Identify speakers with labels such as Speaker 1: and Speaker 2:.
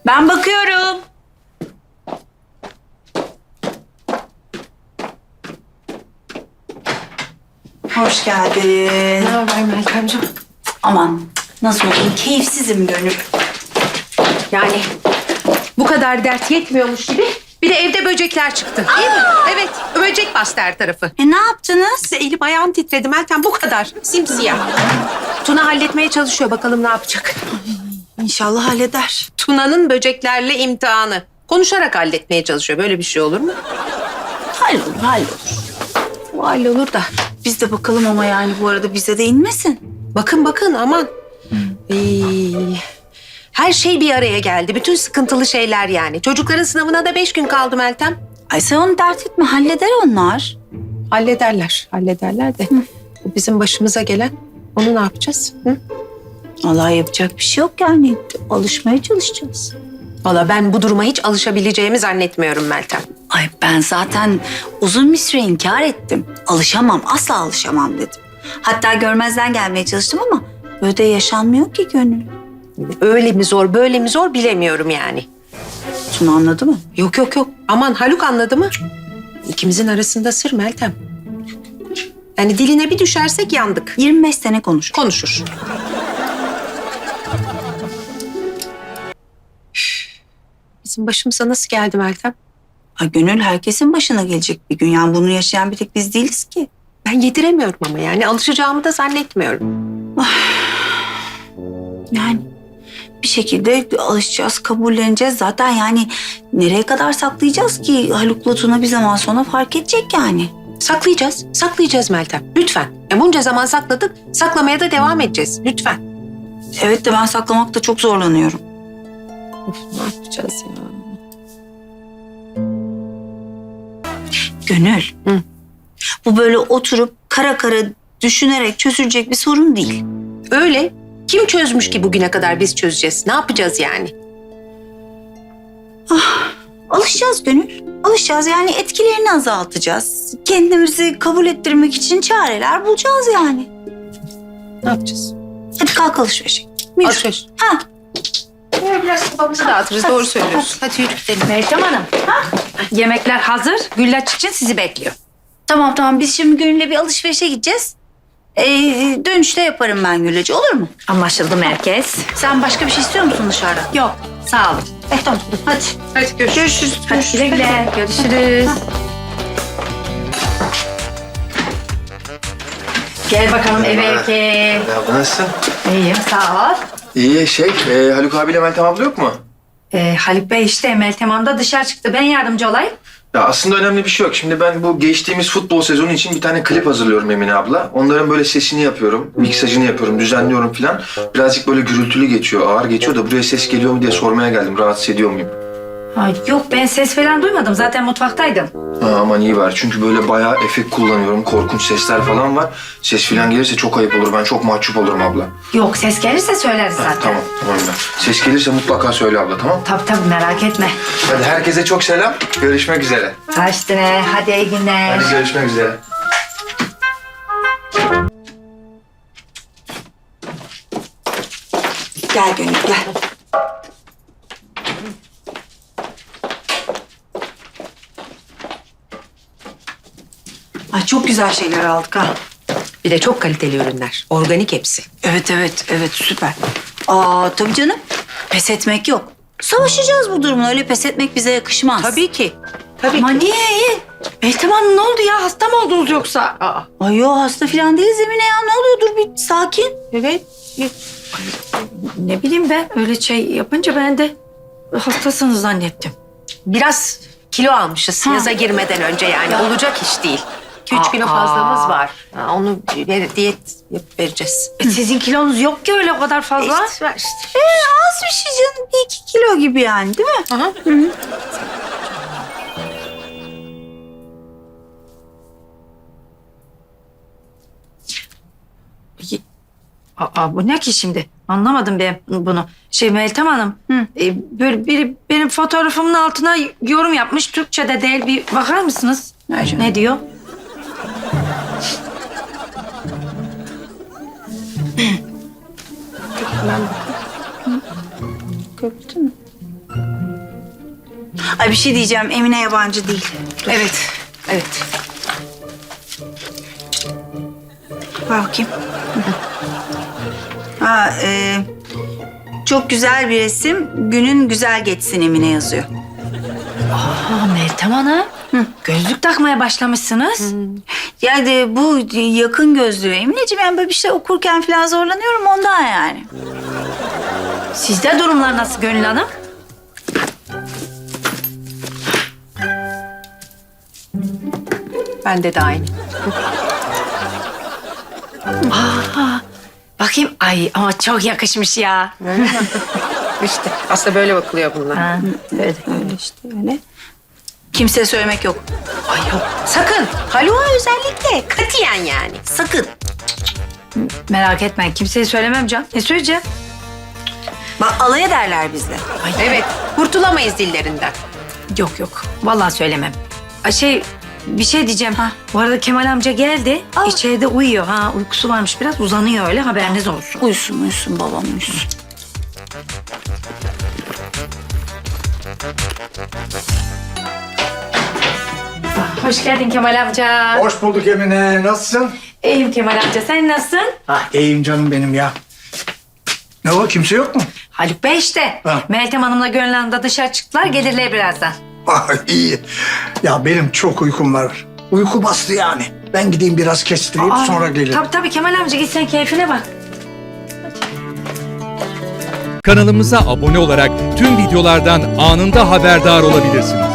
Speaker 1: Ben bakıyorum. Hoş geldin.
Speaker 2: Ne haber Meltemciğim?
Speaker 1: Aman nasıl olayım? Keyifsizim Gönül.
Speaker 2: Yani bu kadar dert yetmiyormuş gibi bir de evde böcekler çıktı. Değil mi? Evet, böcek bastı her tarafı.
Speaker 1: Ne yaptınız?
Speaker 2: İşte elim ayağım titredi Meltem, bu kadar. Simsiyah. Tuna halletmeye çalışıyor, bakalım ne yapacak.
Speaker 1: İnşallah halleder.
Speaker 2: Tuna'nın böceklerle imtihanı. Konuşarak halletmeye çalışıyor. Böyle bir şey olur mu?
Speaker 1: Hallolur, hallolur.
Speaker 2: O hallolur da.
Speaker 1: Biz de bakalım ama yani bu arada bize de inmesin.
Speaker 2: Bakın bakın aman. Her şey bir araya geldi. Bütün sıkıntılı şeyler yani. Çocukların sınavına da 5 gün kaldı Meltem.
Speaker 1: Ay sen onu dert etme, halleder onlar.
Speaker 2: Hallederler, hallederler de. Bu bizim başımıza gelen, onu ne yapacağız? Hı?
Speaker 1: Vallahi yapacak bir şey yok yani. Alışmaya çalışacağız.
Speaker 2: Valla ben bu duruma hiç alışabileceğimi zannetmiyorum Meltem.
Speaker 1: Ay ben zaten uzun bir süre inkar ettim. Alışamam, asla alışamam dedim. Hatta görmezden gelmeye çalıştım ama böyle de yaşanmıyor ki Gönül.
Speaker 2: Öyle mi zor, böyle mi zor bilemiyorum yani.
Speaker 1: Tuna anladı mı?
Speaker 2: Yok yok yok. Aman Haluk anladı mı? İkimizin arasında sır Meltem. Yani diline bir düşersek yandık.
Speaker 1: 25 sene konuşur.
Speaker 2: Konuşur. Bizim başımıza nasıl geldi Meltem?
Speaker 1: Ay Gönül herkesin başına gelecek bir gün. Yani bunu yaşayan bir tek biz değiliz ki.
Speaker 2: Ben yediremiyorum ama yani alışacağımı da zannetmiyorum.
Speaker 1: Yani bir şekilde alışacağız, kabulleneceğiz. Zaten yani nereye kadar saklayacağız ki? Haluk'la Tuna bir zaman sonra fark edecek yani.
Speaker 2: Saklayacağız, saklayacağız Meltem. Lütfen. Bunca zaman sakladık, saklamaya da devam edeceğiz. Lütfen.
Speaker 1: Evet de ben saklamakta çok zorlanıyorum.
Speaker 2: Of, ne yapacağız ya?
Speaker 1: Gönül.
Speaker 2: Hı.
Speaker 1: Bu böyle oturup kara kara düşünerek çözülecek bir sorun değil.
Speaker 2: Öyle. Kim çözmüş ki bugüne kadar biz çözeceğiz? Ne yapacağız yani?
Speaker 1: Alışacağız Gönül. Alışacağız yani etkilerini azaltacağız. Kendimizi kabul ettirmek için çareler bulacağız yani.
Speaker 2: Ne yapacağız?
Speaker 1: Hadi kalk alışverişe. Yürü.
Speaker 2: Alışveriş.
Speaker 1: Ha.
Speaker 2: Biraz kafamızı dağıtırız. Doğru söylüyorsun. Hadi yürü gidelim.
Speaker 3: Meltem Hanım, yemekler hazır. Güllaç için sizi bekliyor.
Speaker 1: Tamam biz şimdi Gönül'le bir alışverişe gideceğiz. Dönüşte yaparım ben Gülacı, olur mu?
Speaker 3: Anlaşıldı merkez.
Speaker 1: Sen başka bir şey istiyor musun dışarıda?
Speaker 3: Yok, sağ olun.
Speaker 1: Tamam hadi.
Speaker 2: Hadi görüşürüz.
Speaker 1: Görüşürüz.
Speaker 3: Hadi güle güle. Görüşürüz. Gel bakalım eve erkeğe.
Speaker 4: Merhaba, nasılsın?
Speaker 3: İyiyim, sağ ol.
Speaker 4: İyi, Haluk abiyle Meltem abla yok mu?
Speaker 3: Haluk Bey işte Meltem Hanım da dışarı çıktı. Ben yardımcı olayım.
Speaker 4: Ya aslında önemli bir şey yok. Şimdi ben bu geçtiğimiz futbol sezonu için bir tane klip hazırlıyorum Emine abla. Onların böyle sesini yapıyorum, miksajını yapıyorum, düzenliyorum falan. Birazcık böyle gürültülü geçiyor, ağır geçiyor da buraya ses geliyor mu diye sormaya geldim. Rahatsız ediyor muyum?
Speaker 3: Yok ben ses falan duymadım. Zaten mutfaktaydım.
Speaker 4: Aman iyi var. Çünkü böyle bayağı efekt kullanıyorum. Korkunç sesler falan var. Ses falan gelirse çok ayıp olur. Ben çok mahcup olurum abla.
Speaker 3: Yok ses gelirse söyleriz zaten.
Speaker 4: Tamam ben. Ses gelirse mutlaka söyle abla, tamam?
Speaker 3: Tabii merak etme.
Speaker 4: Hadi herkese çok selam. Görüşmek üzere.
Speaker 3: Kaçtı ne? Hadi iyi günler.
Speaker 4: Hadi görüşmek üzere.
Speaker 1: Gel Gönül gel. Ay çok güzel şeyler aldık ha.
Speaker 2: Bir de çok kaliteli ürünler. Organik hepsi.
Speaker 1: Evet süper. Tabii canım. Pes etmek yok. Savaşacağız bu durumla. Öyle pes etmek bize yakışmaz.
Speaker 2: Tabii ki. Tabii
Speaker 3: Aman
Speaker 2: ki.
Speaker 3: iyi. Meltem Hanım ne oldu ya? Hasta mı oldunuz yoksa?
Speaker 2: Aa,
Speaker 1: Ay yo hasta falan değiliz Emine ya. Ne oluyor? Dur bir sakin.
Speaker 2: evet.
Speaker 3: Ne bileyim ben öyle şey yapınca ben de hastasınız zannettim.
Speaker 2: Biraz kilo almışız yaza girmeden önce yani. Olacak iş değil. 2-3 kilo
Speaker 3: Aa.
Speaker 2: fazlamız var. Onu diyet yapıp vereceğiz.
Speaker 3: Sizin kilonuz yok ki öyle o kadar fazla.
Speaker 2: İşte var işte.
Speaker 1: Az bir şey canım. 1-2 kilo gibi yani değil mi?
Speaker 2: Aha.
Speaker 3: Bu ne ki şimdi? Anlamadım ben bunu. Meltem Hanım, böyle biri benim fotoğrafımın altına yorum yapmış. Türkçe'de değil, bir bakar mısınız? Ne diyor?
Speaker 1: Gördün mü? Ay bir şey diyeceğim. Emine yabancı değil.
Speaker 2: Evet. Evet.
Speaker 1: Ver bakayım. Ha, çok güzel bir resim. Günün güzel geçsin Emine yazıyor.
Speaker 3: Aa, Meltem Hanım. Gözlük takmaya başlamışsınız.
Speaker 1: Yani bu yakın gözlüğü Emineciğim. Yani böyle bir şey okurken falan zorlanıyorum ondan yani.
Speaker 3: Sizde durumlar nasıl Gönül Hanım?
Speaker 2: Bende de aynı.
Speaker 3: Bakayım. Ay ama çok yakışmış ya.
Speaker 2: İşte aslında böyle bakılıyor bunlar.
Speaker 3: Ha, evet.
Speaker 1: Öyle işte öyle. Kimseye söylemek yok.
Speaker 2: Ay yok. Sakın. Haluk'a özellikle. Katiyen yani.
Speaker 1: Sakın.
Speaker 3: Merak etmeyin. Kimseye söylemem Can. Ne söyleyeceğim?
Speaker 1: Bak alay ederler bizle.
Speaker 2: Evet. Kurtulamayız dillerinden.
Speaker 3: Yok yok. Vallahi söylemem. Ay bir şey diyeceğim.
Speaker 1: Ha.
Speaker 3: Bu arada Kemal amca geldi.
Speaker 1: Aa.
Speaker 3: İçeride uyuyor. Ha, uykusu varmış biraz. Uzanıyor öyle. Haberiniz olsun.
Speaker 1: Uyusun babam uyusun.
Speaker 3: Hoş geldin Kemal amca.
Speaker 5: Hoş bulduk Emine. Nasılsın?
Speaker 3: İyiyim Kemal amca. Sen nasılsın?
Speaker 5: İyiyim canım benim ya. Ne o? Kimse yok mu?
Speaker 3: Haluk Bey işte.
Speaker 5: Ha.
Speaker 3: Meltem Hanım'la Gönül Hanım da dışarı çıktılar. Gelirler birazdan.
Speaker 5: İyi. Ya benim çok uykum var. Uyku bastı yani. Ben gideyim biraz kestireyim sonra gelirim.
Speaker 3: Tabii Kemal amca git sen keyfine bak.
Speaker 6: Kanalımıza abone olarak tüm videolardan anında haberdar olabilirsiniz.